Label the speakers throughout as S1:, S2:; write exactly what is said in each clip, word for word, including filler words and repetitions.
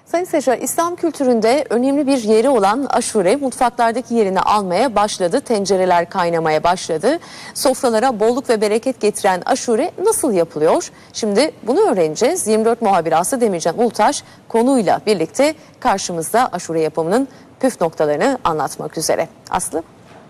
S1: Sayın seyirciler, İslam kültüründe önemli bir yeri olan aşure mutfaklardaki yerini almaya başladı. Tencereler kaynamaya başladı. Sofralara bolluk ve bereket getiren aşure nasıl yapılıyor? Şimdi bunu öğreneceğiz. yirmi dört muhabiri Aslı Demircan Ulutaş konuyla birlikte karşımızda aşure yapımının püf noktalarını anlatmak üzere. Aslı.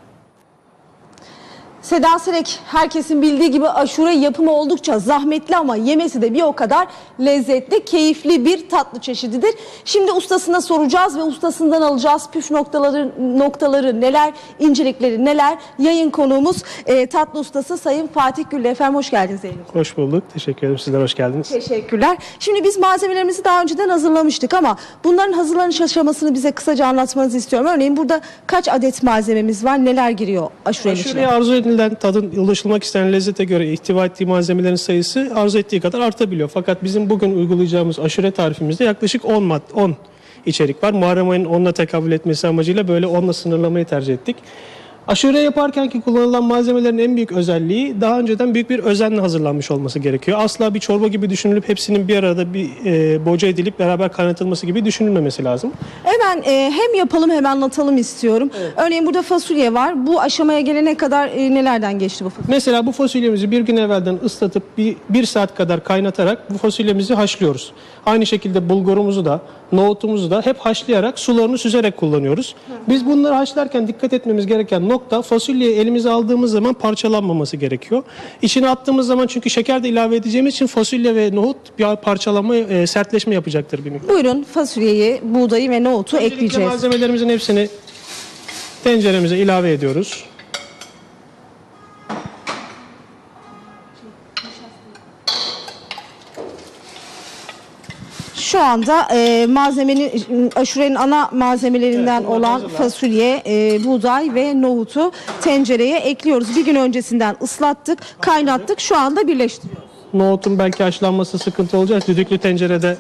S2: Seda Serek, herkesin bildiği gibi aşure yapımı oldukça zahmetli ama yemesi de bir o kadar lezzetli, keyifli bir tatlı çeşididir. Şimdi ustasına soracağız ve ustasından alacağız püf noktaları, noktaları neler, incelikleri neler. Yayın konuğumuz e, tatlı ustası Sayın Fatih Güllü. Efendim hoş geldiniz Zeynep.
S3: Hoş bulduk. Teşekkür ederim. Sizler hoş geldiniz.
S2: Teşekkürler. Şimdi biz malzemelerimizi daha önceden hazırlamıştık ama bunların hazırlanış aşamasını bize kısaca anlatmanızı istiyorum. Örneğin burada kaç adet malzememiz var, neler giriyor aşurenin içine?
S3: Aşureye arzu edilen tadın ulaşılmak istenen lezzete göre ihtiva ettiği malzemelerin sayısı arzu ettiği kadar artabiliyor. Fakat bizim bugün uygulayacağımız aşure tarifimizde yaklaşık on mad on içerik var. Muharrem ayının onla tekabül etmesi amacıyla böyle onla sınırlamayı tercih ettik. Aşure yaparken ki kullanılan malzemelerin en büyük özelliği daha önceden büyük bir özenle hazırlanmış olması gerekiyor. Asla bir çorba gibi düşünülüp hepsinin bir arada bir e, boca edilip beraber kaynatılması gibi düşünülmemesi lazım.
S2: Hemen e, hem yapalım hem anlatalım istiyorum. Evet. Örneğin burada fasulye var. Bu aşamaya gelene kadar e, nelerden geçti bu fasulye?
S3: Mesela bu fasulyemizi bir gün evvelden ıslatıp bir, bir saat kadar kaynatarak bu fasulyemizi haşlıyoruz. Aynı şekilde bulgurumuzu da, nohutumuzu da hep haşlayarak sularını süzerek kullanıyoruz. Hı. Biz bunları haşlarken dikkat etmemiz gereken nokta fasulyeyi elimize aldığımız zaman parçalanmaması gerekiyor. İçine attığımız zaman çünkü şeker de ilave edeceğimiz için fasulye ve nohut bir parçalama, e, sertleşme yapacaktır bir miktar.
S2: Buyurun fasulyeyi, buğdayı ve nohutu
S3: Öncelikle
S2: ekleyeceğiz.
S3: malzemelerimizin hepsini tenceremize ilave ediyoruz.
S2: Şu anda e, malzemenin, aşurenin ana malzemelerinden evet, olan hazırlar. fasulye, e, buğday ve nohutu tencereye ekliyoruz. Bir gün öncesinden ıslattık, kaynattık. Şu anda birleştiriyoruz.
S3: Nohutun belki haşlanması sıkıntı olacak. Düdüklü tencerede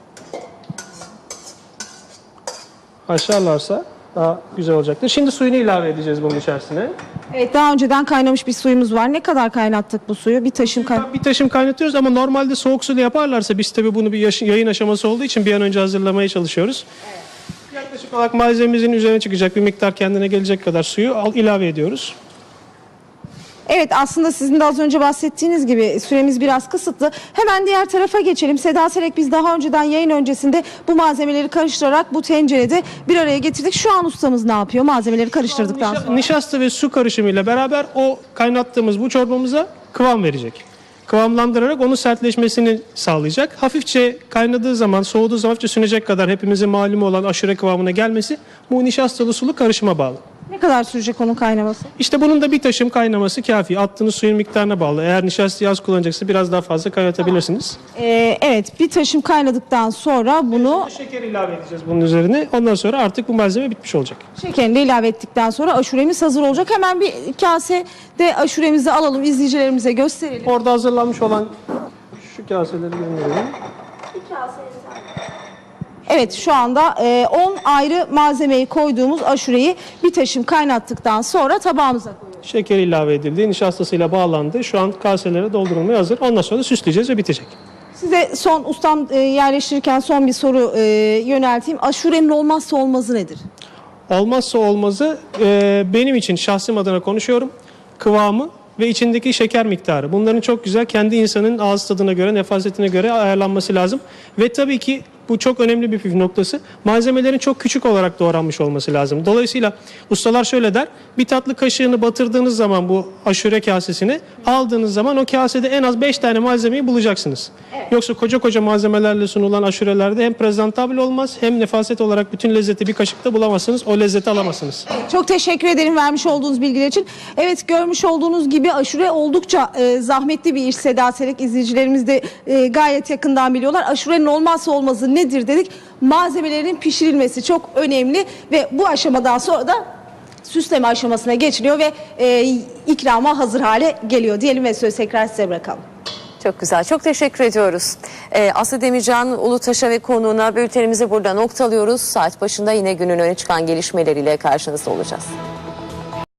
S3: haşlarlarsa daha güzel olacaktır. Şimdi suyunu ilave edeceğiz bunun içerisine.
S2: Evet, daha önceden kaynamış bir suyumuz var. Ne kadar kaynattık bu suyu? Bir taşım kay
S3: Bir taşım kaynatıyoruz ama normalde soğuk suyla yaparlarsa biz tabii bunu bir yayın aşaması olduğu için bir an önce hazırlamaya çalışıyoruz. Evet. Yaklaşık olarak malzememizin üzerine çıkacak bir miktar kendine gelecek kadar suyu al, ilave ediyoruz.
S2: Evet, aslında sizin de az önce bahsettiğiniz gibi süremiz biraz kısıtlı. Hemen diğer tarafa geçelim. Seda Serek, biz daha önceden yayın öncesinde bu malzemeleri karıştırarak bu tencerede bir araya getirdik. Şu an ustamız ne yapıyor malzemeleri karıştırdıktan sonra?
S3: Nişasta ve su karışımıyla beraber o kaynattığımız bu çorbamıza kıvam verecek. Kıvamlandırarak onun sertleşmesini sağlayacak. Hafifçe kaynadığı zaman, soğuduğu zaman hafifçe sünecek kadar hepimizin malumu olan aşure kıvamına gelmesi bu nişastalı sulu karışıma bağlı.
S2: Ne kadar sürecek onun kaynaması?
S3: İşte bunun da bir taşım kaynaması kafi. Attığınız suyun miktarına bağlı. Eğer nişastayı az kullanacaksa biraz daha fazla kaynatabilirsiniz.
S2: Ee, evet, bir taşım kaynadıktan sonra bunu...
S3: Şeker ilave edeceğiz bunun üzerine. Ondan sonra artık bu malzeme bitmiş olacak.
S2: Şekerini de ilave ettikten sonra aşuremiz hazır olacak. Hemen bir kasede aşuremizi alalım, izleyicilerimize gösterelim.
S3: Orada hazırlanmış olan şu kaseleri gönderiyorum.
S2: Bir kase. Evet, şu anda on ayrı malzemeyi koyduğumuz aşureyi bir taşım kaynattıktan sonra tabağımıza koyuyoruz.
S3: Şeker ilave edildi, nişastasıyla bağlandı. Şu an kaselere doldurulmaya hazır. Ondan sonra süsleyeceğiz ve bitecek.
S2: Size son ustam e, yerleştirirken son bir soru e, yönelteyim. Aşurenin olmazsa olmazı nedir?
S3: Olmazsa olmazı e, benim için şahsım adına konuşuyorum. Kıvamı ve içindeki şeker miktarı. Bunların çok güzel kendi insanın ağız tadına göre, nefasetine göre ayarlanması lazım. Ve tabii ki bu çok önemli bir püf noktası. Malzemelerin çok küçük olarak doğranmış olması lazım. Dolayısıyla ustalar şöyle der. Bir tatlı kaşığını batırdığınız zaman bu aşure kasesini aldığınız zaman o kasede en az beş tane malzemeyi bulacaksınız. Evet. Yoksa koca koca malzemelerle sunulan aşurelerde hem prezentabl olmaz hem nefaset olarak bütün lezzeti bir kaşıkta bulamazsınız. O lezzeti alamazsınız.
S2: Evet. Çok teşekkür ederim vermiş olduğunuz bilgiler için. Evet, görmüş olduğunuz gibi aşure oldukça e, zahmetli bir iş. Seda Serek, izleyicilerimiz de e, gayet yakından biliyorlar. Aşurenin olmazsa olmazı nedir dedik. Malzemelerin pişirilmesi çok önemli ve bu aşamadan sonra da süsleme aşamasına geçiliyor ve e, ikrama hazır hale geliyor diyelim ve sözü tekrar size bırakalım.
S1: Çok güzel. Çok teşekkür ediyoruz. Ee, Aslı Demircan Ulutaş'a ve konuğuna bültenimizi burada noktalıyoruz. Saat başında yine günün öne çıkan gelişmeleriyle karşınızda olacağız.